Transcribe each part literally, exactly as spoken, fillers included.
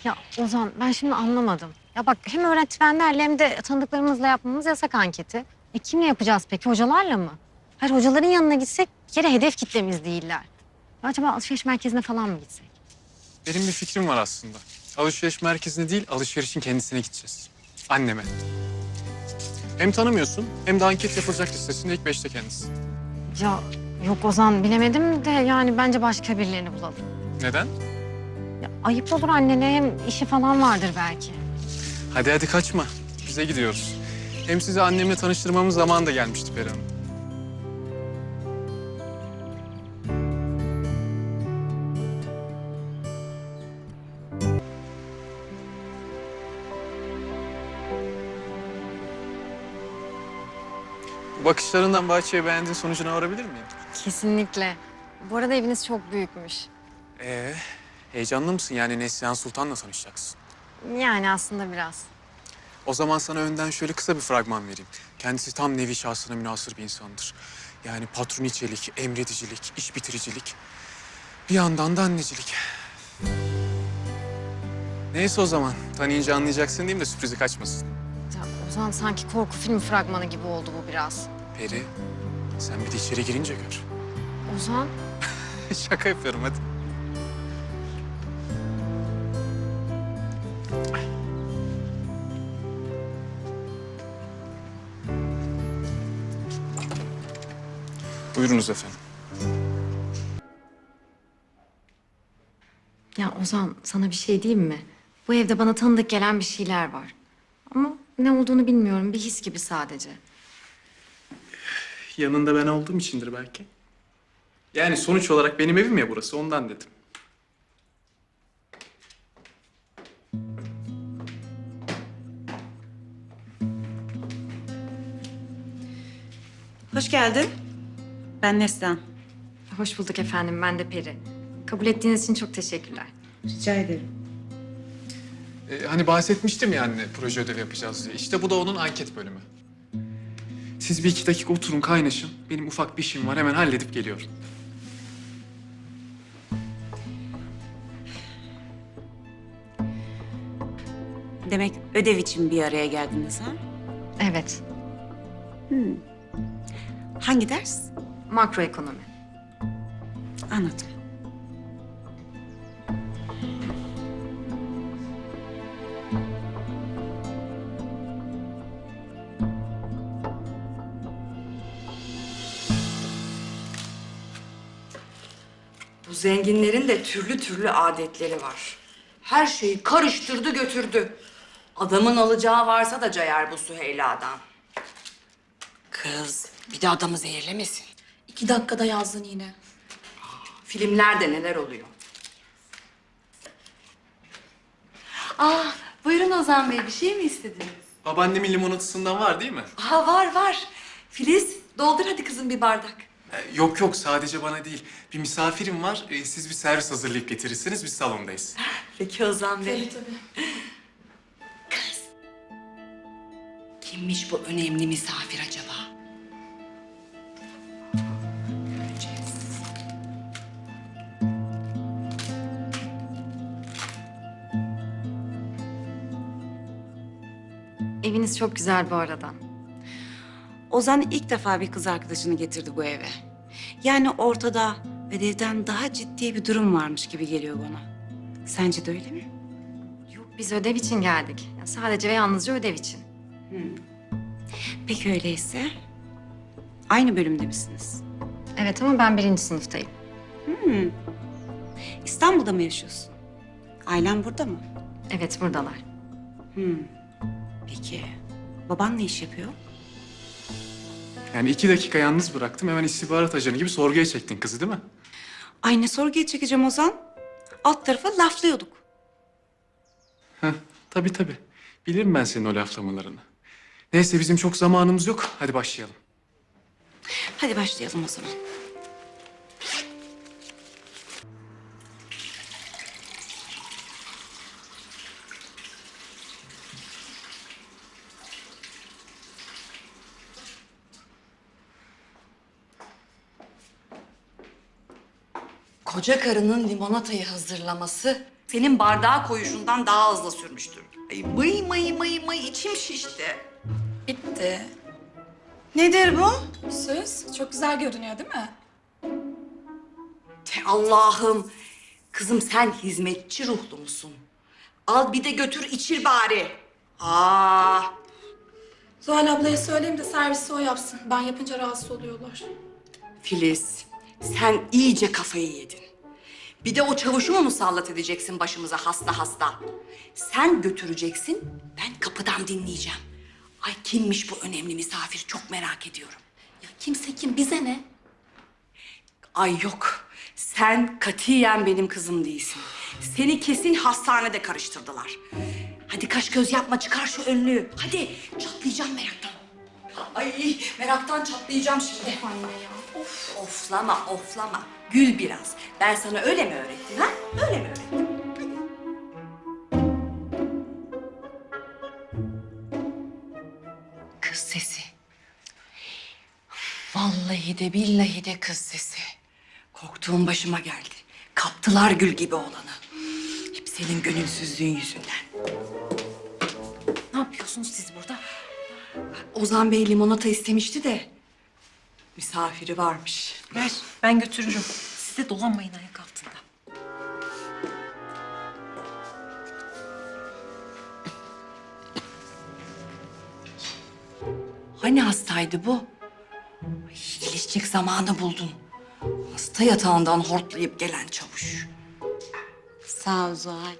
Ya Ozan ben şimdi anlamadım. Ya bak hem öğretmenlerle hem de tanıdıklarımızla yapmamız yasak anketi. E kimle yapacağız peki? Hocalarla mı? Hayır hocaların yanına gitsek bir kere hedef kitlemiz değiller. Ya acaba alışveriş merkezine falan mı gitsek? Benim bir fikrim var aslında. Alışveriş merkezine değil, alışverişin kendisine gideceğiz. Anneme. Hem tanımıyorsun hem de anket yapılacak listesinde ilk beşte kendisi. Ya yok Ozan bilemedim de yani bence başka birilerini bulalım. Neden? Ya, ayıp olur annene hem işi falan vardır belki. Hadi hadi kaçma. Bize gidiyoruz. Hem sizi annemle tanıştırmamız zamanı da gelmişti Peri Hanım. Bu bakışlarından bahçeyi beğendiğin sonucuna varabilir miyim? Kesinlikle. Bu arada eviniz çok büyükmüş. Ee, heyecanlı mısın? Yani Neslihan Sultan'la tanışacaksın. Yani aslında biraz. O zaman sana önden şöyle kısa bir fragman vereyim. Kendisi tam nevi şahsına münhasır bir insandır. Yani patroniçelik, emredicilik, iş bitiricilik. Bir yandan da annecilik. Neyse o zaman. Tanıyınca anlayacaksın diyeyim de sürprizi kaçmasın. Ya Ozan sanki korku filmi fragmanı gibi oldu bu biraz. Peri, sen bir de içeri girince gör. Ozan? Şaka yapıyorum hadi. Buyurunuz efendim. Ya Ozan sana bir şey diyeyim mi? Bu evde bana tanıdık gelen bir şeyler var. Ama ne olduğunu bilmiyorum. Bir his gibi sadece. Yanında ben olduğum içindir belki. Yani sonuç olarak benim evim ya burası, ondan dedim. Hoş geldin. Ben Neslihan. Hoş bulduk efendim. Ben de Peri. Kabul ettiğiniz için çok teşekkürler. Rica ederim. Ee, hani bahsetmiştim ya anne, proje ödevi yapacağız diye. İşte bu da onun anket bölümü. Siz bir iki dakika oturun, kaynaşın. Benim ufak bir işim var, hemen halledip geliyorum. Demek ödev için bir araya geldiniz ha? Evet. Hangi ders? Makroekonomi. Anladım. Bu zenginlerin de türlü türlü adetleri var. Her şeyi karıştırdı götürdü. Adamın alacağı varsa da cayar bu Süheyla'dan. Kız, bir de adamı zehirlemesin. İki dakikada yazdın yine. Filmlerde neler oluyor? Ah, buyurun Ozan Bey, bir şey mi istediniz? Babaannemin limonatısından var değil mi? Aa, var var. Filiz, doldur hadi kızım bir bardak. Ee, yok yok, sadece bana değil. Bir misafirim var, ee, siz bir servis hazırlayıp getirirsiniz, biz salondayız. Peki Ozan Bey. Tabii. Kimmiş bu önemli misafir acaba? Göreceğiz. Eviniz çok güzel bu arada. Ozan ilk defa bir kız arkadaşını getirdi bu eve. Yani ortada ödevden daha ciddi bir durum varmış gibi geliyor bana. Sence de öyle mi? Yok biz ödev için geldik. Ya sadece ve yalnızca ödev için. Peki öyleyse aynı bölümde misiniz? Evet ama ben birinci sınıftayım. İstanbul'da mı yaşıyorsun? Ailen burada mı? Evet buradalar. Peki baban ne iş yapıyor? Yani iki dakika yalnız bıraktım, hemen istihbarat ajanı gibi sorguya çektin kızı değil mi? Ay ne sorguya çekeceğim Ozan? Alt tarafa laflıyorduk. Heh, tabii tabii. Bilirim ben senin o laflamalarını. Neyse bizim çok zamanımız yok, hadi başlayalım. Hadi başlayalım o zaman. Koca karının limonatayı hazırlaması senin bardağa koyuşundan daha hızlı sürmüştür. Ay mıy mıy mıy mıy içim şişti. Bitti. Nedir bu? Söz çok güzel görünüyor değil mi? Te Allah'ım. Kızım sen hizmetçi ruhlu musun? Al bir de götür içir bari. Aa, Zuhal ablaya söyleyeyim de servisi o yapsın. Ben yapınca rahatsız oluyorlar. Filiz sen iyice kafayı yedin. Bir de o çavuşu mu musallat edeceksin başımıza hasta hasta? Sen götüreceksin, ben kapıdan dinleyeceğim. Ay kimmiş bu önemli misafir çok merak ediyorum. Ya kimse kim bize ne? Ay yok, sen katiyen benim kızım değilsin. Seni kesin hastanede karıştırdılar. Hadi kaş göz yapma, çıkar şu önlüğü. Hadi, çatlayacağım meraktan. Ay meraktan çatlayacağım şimdi. Anne ya. Of, oflama, oflama. Gül biraz. Ben sana öyle mi öğrettim ha? Öyle mi öğrettim? Kız sesi. Vallahi de billahi de kız sesi. Korktuğum başıma geldi. Kaptılar gül gibi olanı. Hep senin gönülsüzlüğün yüzünden. Ne yapıyorsunuz siz burada? Ozan Bey limonata istemişti de misafiri varmış. Ver, ben götürürüm. Siz de dolanmayın ayak altında. Hani hastaydı bu? Ay, iyileşecek zamanı buldun. Hasta yatağından hortlayıp gelen çavuş. Sağ ol Zuhal.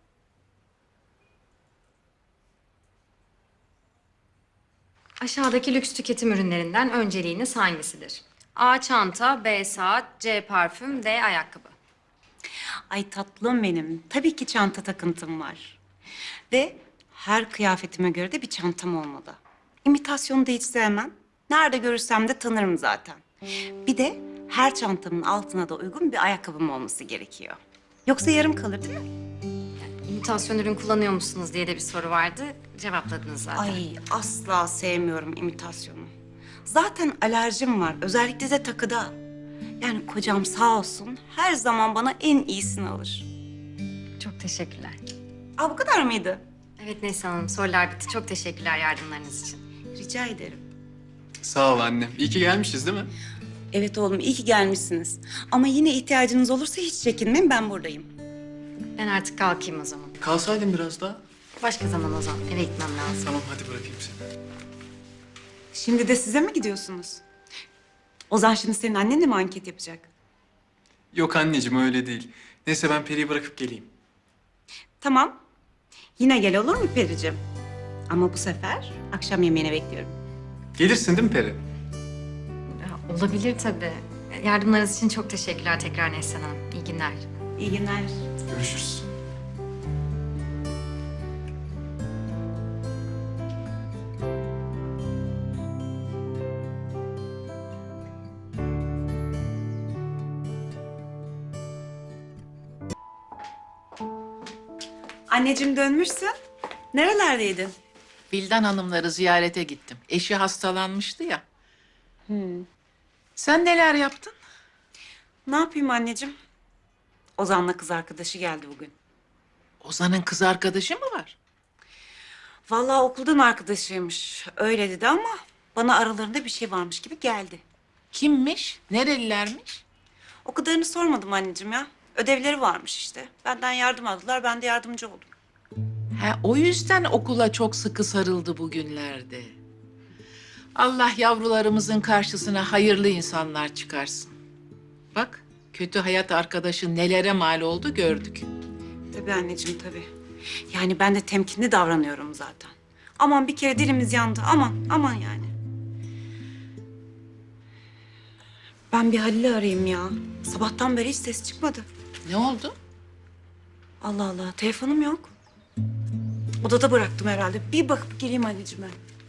Aşağıdaki lüks tüketim ürünlerinden önceliğiniz hangisidir? A. Çanta, B. Saat, C. Parfüm, D. Ayakkabı. Ay tatlım benim. Tabii ki çanta takıntım var. Ve her kıyafetime göre de bir çantam olmalı. İmitasyonu da hiç sevmem. Nerede görürsem de tanırım zaten. Bir de her çantamın altına da uygun bir ayakkabım olması gerekiyor. Yoksa yarım kalır değil mi? İmitasyon ürün kullanıyor musunuz diye de bir soru vardı. Cevapladınız zaten. Ay asla sevmiyorum imitasyonu. Zaten alerjim var. Özellikle de takıda. Yani kocam sağ olsun her zaman bana en iyisini alır. Çok teşekkürler. Aa bu kadar mıydı? Evet Neslihan Hanım, sorular bitti. Çok teşekkürler yardımlarınız için. Rica ederim. Sağ ol annem. İyi ki gelmişiz değil mi? Evet oğlum iyi ki gelmişsiniz. Ama yine ihtiyacınız olursa hiç çekinmeyin ben buradayım. Ben artık kalkayım o zaman. Kalsaydın biraz daha. Başka zaman o zaman. Eve gitmem lazım. Tamam hadi bırakayım seni. Şimdi de size mi gidiyorsunuz? Ozan şimdi senin annenle mi anket yapacak? Yok anneciğim öyle değil. Neyse ben Peri'yi bırakıp geleyim. Tamam. Yine gel olur mu Pericim? Ama bu sefer akşam yemeğine bekliyorum. Gelirsin değil mi Peri? Ya, olabilir tabii. Yardımlarınız için çok teşekkürler tekrar Neslihan Hanım. İyi günler. İyi günler. Görüşürüz. Anneciğim dönmüşsün. Nerelerdeydin? Vildan hanımları ziyarete gittim. Eşi hastalanmıştı ya. Sen neler yaptın? Ne yapayım anneciğim? Ozan'la kız arkadaşı geldi bugün. Ozan'ın kız arkadaşı mı var? Vallahi okuldan arkadaşıymış. Öyle dedi ama bana aralarında bir şey varmış gibi geldi. Kimmiş? Nerelilermiş? O kadarını sormadım anneciğim ya. Ödevleri varmış işte. Benden yardım aldılar, ben de yardımcı oldum. Ha, o yüzden okula çok sıkı sarıldı bugünlerde. Allah yavrularımızın karşısına hayırlı insanlar çıkarsın. Bak, kötü hayat arkadaşı nelere mal oldu gördük. Tabii anneciğim tabii. Yani ben de temkinli davranıyorum zaten. Aman bir kere dilimiz yandı. Aman, aman yani. Ben bir Halil'i arayayım ya. Sabahtan beri hiç ses çıkmadı. Ne oldu? Allah Allah, telefonum yok. Odada bıraktım herhalde. Bir bakıp geleyim anneciğim ben.